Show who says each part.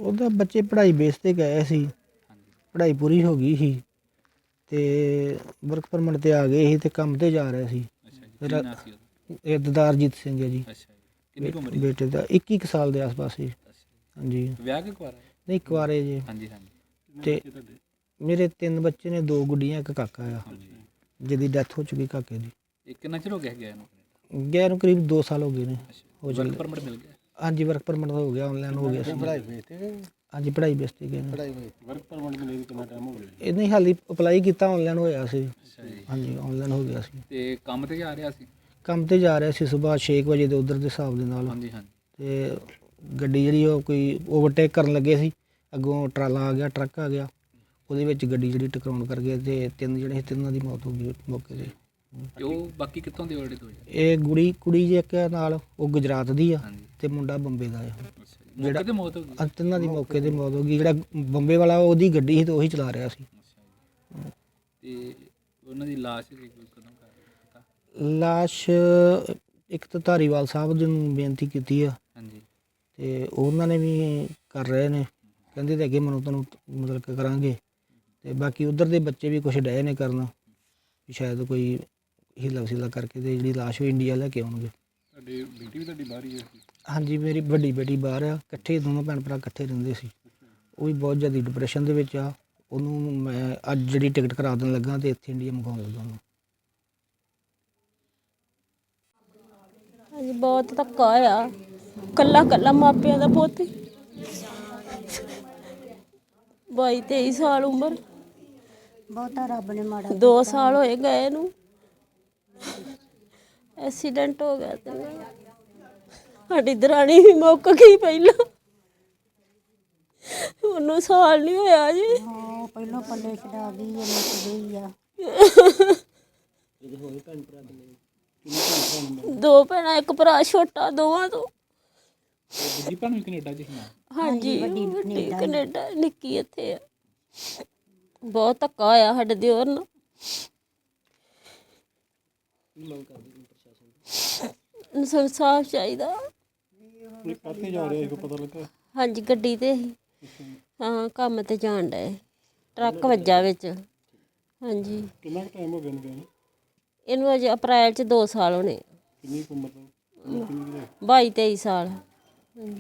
Speaker 1: ਉਹਦਾ ਬੱਚੇ ਪੜ੍ਹਾਈ ਬੇਸ 'ਤੇ ਗਏ ਸੀ, ਪੜ੍ਹਾਈ ਪੂਰੀ ਹੋ ਗਈ ਸੀ ਤੇ ਵਰਕ ਪਰਮਿਟ 'ਤੇ ਆ ਗਏ ਸੀ ਤੇ ਕੰਮ 'ਤੇ ਜਾ ਰਹੇ ਸੀ। ਮੇਰਾ ਇਹ ਦਦਾਰਜੀਤ ਸਿੰਘ ਹੈ ਜੀ।
Speaker 2: ਕਿੰਨੀ ਉਮਰ ਹੈ?
Speaker 1: ਬੇਟੇ ਦਾ 21 ਕੁ ਸਾਲ ਦੇ ਆਸ-ਪਾਸ ਸੀ। ਹਾਂਜੀ।
Speaker 2: ਵਿਆਹ ਕਿ ਕੁਆਰਾ?
Speaker 1: ਨਹੀਂ, ਕੁਆਰੇ ਜੀ।
Speaker 2: ਹਾਂਜੀ।
Speaker 1: ਤੇ ਮੇਰੇ 3 ਬੱਚੇ ਨੇ, 2 ਗੁੱਡੀਆਂ, 1 ਕਾਕਾ ਆ ਜਿਹਦੀ ਡੈਥ ਹੋ ਚੁੱਕੀ ਕਾਕੇ ਦੀ।
Speaker 2: ਇਹ ਕਿੰਨਾ ਚਿਰ ਹੋ ਗਿਆ ਗਿਆ ਇਹਨੂੰ?
Speaker 1: ਗਿਆ ਨੂੰ ਕਰੀਬ 2 ਸਾਲ ਹੋ ਗਏ ਨੇ।
Speaker 2: ਵਰਕ ਪਰਮਿਟ ਮਿਲ ਗਿਆ?
Speaker 1: ਹਾਂਜੀ, ਵਰਕ ਪਰਮਿਟ ਹੋ ਗਿਆ, ਆਨਲਾਈਨ ਹੋ ਗਿਆ ਸੀ। ਹਾਂਜੀ, ਪੜ੍ਹਾਈ ਬੇਸ 'ਤੇ ਗਏ ਨੇ।
Speaker 3: ਵਰਕ ਪਰਮਿਟ ਮਿਲੇ ਕਿੰਨਾ ਟਾਈਮ ਹੋ ਗਿਆ?
Speaker 1: ਇਹ ਨਹੀਂ, ਹਾਲੀ ਅਪਲਾਈ ਕੀਤਾ, ਆਨਲਾਈਨ ਹੋਇਆ ਸੀ। ਹਾਂਜੀ, ਆਨਲਾਈਨ ਹੋ ਗਿਆ ਸੀ।
Speaker 2: ਤੇ ਕੰਮ ਤੇ ਜਾ ਰਿਹਾ ਸੀ?
Speaker 1: ਕੰਮ 'ਤੇ ਜਾ ਰਿਹਾ ਸੀ ਸੁਬਾਹ 6 ਵਜੇ ਦੇ ਉੱਧਰ ਦੇ ਹਿਸਾਬ ਦੇ ਨਾਲ।
Speaker 2: ਹਾਂਜੀ।
Speaker 1: ਤੇ ਗੱਡੀ ਜਿਹੜੀ ਉਹ ਕੋਈ ਓਵਰਟੇਕ ਕਰਨ ਲੱਗੇ ਸੀ, ਅੱਗੋਂ ਟਰਾਲਾ ਆ ਗਿਆ, ਟਰੱਕ ਆ ਗਿਆ, ਉਹਦੇ ਵਿੱਚ ਗੱਡੀ ਜਿਹੜੀ ਟਕਰਾਉਣ ਕਰ ਗਏ ਤੇ 3 ਜਿਹੜੇ ਸੀ, 3 ਦੀ ਮੌਤ ਹੋ ਗਈ ਮੌਕੇ 'ਤੇ।
Speaker 2: ਤੇ ਉਹ ਬਾਕੀ ਕਿੱਥੋਂ ਦੇ ਆਲਰੇਡੀ ਹੋਏ?
Speaker 1: ਇਹ ਕੁੜੀ ਜੇ ਇੱਕ ਨਾਲ, ਉਹ ਗੁਜਰਾਤ ਦੀ ਆ ਤੇ ਮੁੰਡਾ ਬੰਬੇ ਦਾ ਆ।
Speaker 2: ਜਿਹੜਾ ਤੇ ਮੌਤ ਹੋ ਗਈ?
Speaker 1: 3 ਦੀ ਮੌਕੇ 'ਤੇ ਮੌਤ ਹੋ ਗਈ। ਜਿਹੜਾ ਬੰਬੇ ਵਾਲਾ ਉਹਦੀ ਗੱਡੀ ਸੀ ਤੇ ਉਹੀ ਚਲਾ ਰਿਹਾ ਸੀ।
Speaker 2: ਤੇ ਉਹਨਾਂ ਦੀ ਲਾਸ਼ ਕਦੋਂ ਪਤਾ?
Speaker 1: ਲਾਸ਼ ਇੱਕ ਤਾਂ ਧਾਰੀਵਾਲ ਸਾਹਿਬ ਜੀ ਨੂੰ ਬੇਨਤੀ ਕੀਤੀ ਆ।
Speaker 2: ਹਾਂਜੀ।
Speaker 1: ਤੇ ਉਹਨਾਂ ਨੇ ਵੀ ਕਰ ਰਹੇ ਨੇ, ਕਹਿੰਦੇ ਤੇ ਅੱਗੇ ਮੈਨੂੰ ਤੁਹਾਨੂੰ ਮਤਲਬ ਕਿ ਕਰਾਂਗੇ। ਤੇ ਬਾਕੀ ਉੱਧਰ ਦੇ ਬੱਚੇ ਵੀ ਕੁਛ ਡਏ ਨੇ ਕਰਨ, ਵੀ ਸ਼ਾਇਦ ਕੋਈ ਹੀਲਾ ਵਸੀਲਾ ਕਰਕੇ ਤੇ ਜਿਹੜੀ ਲਾਸ਼ ਉਹ ਇੰਡੀਆ ਲੈ ਕੇ ਆਉਣਗੇ।
Speaker 3: ਤੁਹਾਡੀ ਬੇਟੀ ਵੀ ਤੁਹਾਡੀ ਬਾਹਰ ਹੀ ਹੈ?
Speaker 1: ਹਾਂਜੀ, ਮੇਰੀ ਵੱਡੀ ਬੇਟੀ ਬਾਹਰ ਆ। ਇਕੱਠੇ ਦੋਨੋਂ ਭੈਣ ਭਰਾ ਇਕੱਠੇ ਰਹਿੰਦੇ ਸੀ। ਉਹ ਵੀ ਬਹੁਤ ਜ਼ਿਆਦਾ ਡਿਪਰੈਸ਼ਨ ਦੇ ਵਿੱਚ ਆ। ਉਹਨੂੰ ਮੈਂ ਅੱਜ ਜਿਹੜੀ ਟਿਕਟ ਕਰਾ ਦੇਣ ਲੱਗਾ ਤੇ ਇੱਥੇ ਇੰਡੀਆ ਮੰਗਵਾਉਣ ਲੱਗਾ ਉਹਨੂੰ।
Speaker 4: ਹਾਂਜੀ, ਬਹੁਤ ਧੱਕਾ ਹੋਇਆ। ਕੱਲਾ ਮਾਪਿਆਂ ਦਾ ਪੁੱਤ, 22-23 ਸਾਲ ਉਮਰ।
Speaker 5: ਬਹੁਤਾ ਰੱਬ ਨੇ ਮਾੜਾ
Speaker 4: 2 ਸਾਲ ਹੋਏ ਗਏ ਨੂੰ। ਐਕਸੀਡੈਂਟ ਹੋ ਗਿਆ ਤੇ ਸਾਡੀ ਦਰਾਣੀ ਵੀ ਮੁੱਕ ਗਈ ਪਹਿਲਾਂ, ਉਹਨੂੰ ਸਾਲ ਨਹੀਂ ਹੋਇਆ ਜੀ।
Speaker 5: ਹਾਂ, ਪਹਿਲੋਂ ਪੱਲੇ ਛਡਾ ਗਈ, ਇਹ ਮੁੱਕ ਗਈ ਆ।
Speaker 4: 2 ਭੈਣਾਂ, 1 ਭਰਾ ਛੋਟਾ ਦੋਵਾਂ ਤੋਂ।
Speaker 2: ਦੂਜੀ ਭੈਣ ਵੀ ਕੈਨੇਡਾ 'ਚ ਸੀ ਨਾ?
Speaker 4: ਹਾਂਜੀ, ਵੱਡੀ ਕੈਨੇਡਾ, ਨਿੱਕੀ ਇੱਥੇ ਆ। ਬਹੁਤ ਧੱਕਾ ਹੋਇਆ ਸਾਡੇ ਦਿਓਰ ਨਾਲ। ਇਨਸਾਫ ਚਾਹੀਦਾ।
Speaker 3: ਕਾਹਤੇ ਜਾ ਰਿਹਾ ਸੀ, ਪਤਾ ਲੱਗਾ?
Speaker 4: ਹਾਂਜੀ, ਗੱਡੀ ਤੇ ਸੀ। ਹਾਂ, ਕੰਮ ਤੇ ਜਾਣ ਡਏ, ਟਰੱਕ ਵੱਜਾ ਵਿੱਚ। ਹਾਂਜੀ।
Speaker 3: ਕਿੰਨਾ ਕੁ ਟਾਈਮ ਹੋ ਗਿਆ ਇਹਨੂੰ ਗਏ ਨੂੰ?
Speaker 4: ਇਹਨੂੰ ਅਜੇ ਅਪ੍ਰੈਲ 'ਚ 2 ਸਾਲ ਹੋਣੇ।
Speaker 3: ਕਿੰਨੀ ਕੁ ਉਮਰ ਦਾ?
Speaker 4: 22-23 ਸਾਲ।